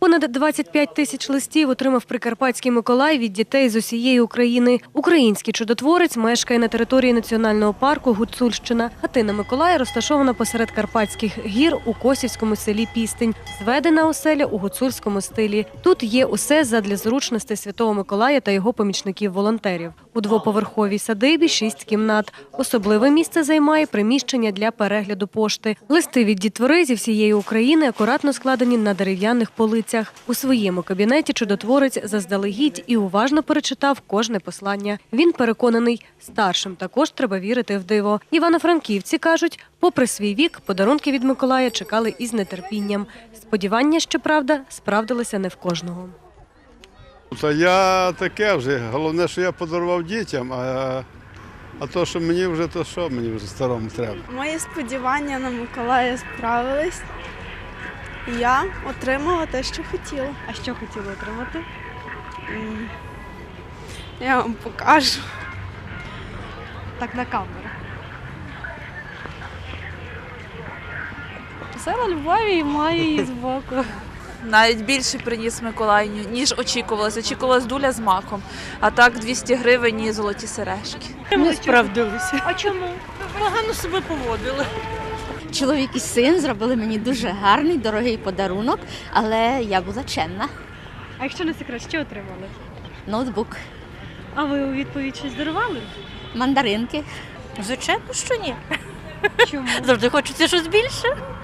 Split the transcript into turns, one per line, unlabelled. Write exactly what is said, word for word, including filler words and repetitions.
Понад двадцять п'ять тисяч листів отримав Прикарпатський Миколай від дітей з усієї України. Український чудотворець мешкає на території національного парку Гуцульщина. Хатина Миколая розташована посеред Карпатських гір у Косівському селі Пістинь. Зведена оселя у гуцульському стилі. Тут є усе задля зручностей Святого Миколая та його помічників-волонтерів. У двоповерховій садибі шість кімнат. Особливе місце займає приміщення для перегляду пошти. Листи від дітвори зі всієї України акуратно складені на дерев'яних полицях. У своєму кабінеті чудотворець заздалегідь і уважно перечитав кожне послання. Він переконаний, старшим також треба вірити в диво. Івано-франківці кажуть, попри свій вік, подарунки від Миколая чекали із нетерпінням. Сподівання, щоправда, справдилися не в кожного.
Та я таке вже. Головне, що я подарував дітям, а, а то, що мені вже, то що мені вже старому треба.
Мої сподівання на Миколая справились. Я отримала те, що хотіла.
А що хотіли отримати?
М, Я вам покажу.
Так, на камеру.
Села Львові і має її збоку.
Навіть більше приніс Миколай, ніж очікувалося. Очікувалась дуля з маком, а так двісті гривень і золоті сережки.
Не справдилися. А чому? Погано себе поводили.
Чоловік і син зробили мені дуже гарний, дорогий подарунок, але я була чемна.
А якщо не секрет, що отримали?
Ноутбук,
А ви у відповідь щось дарували?
мандаринки.
Звичайно, що ні.
Чому?
Завжди хочеться щось більше.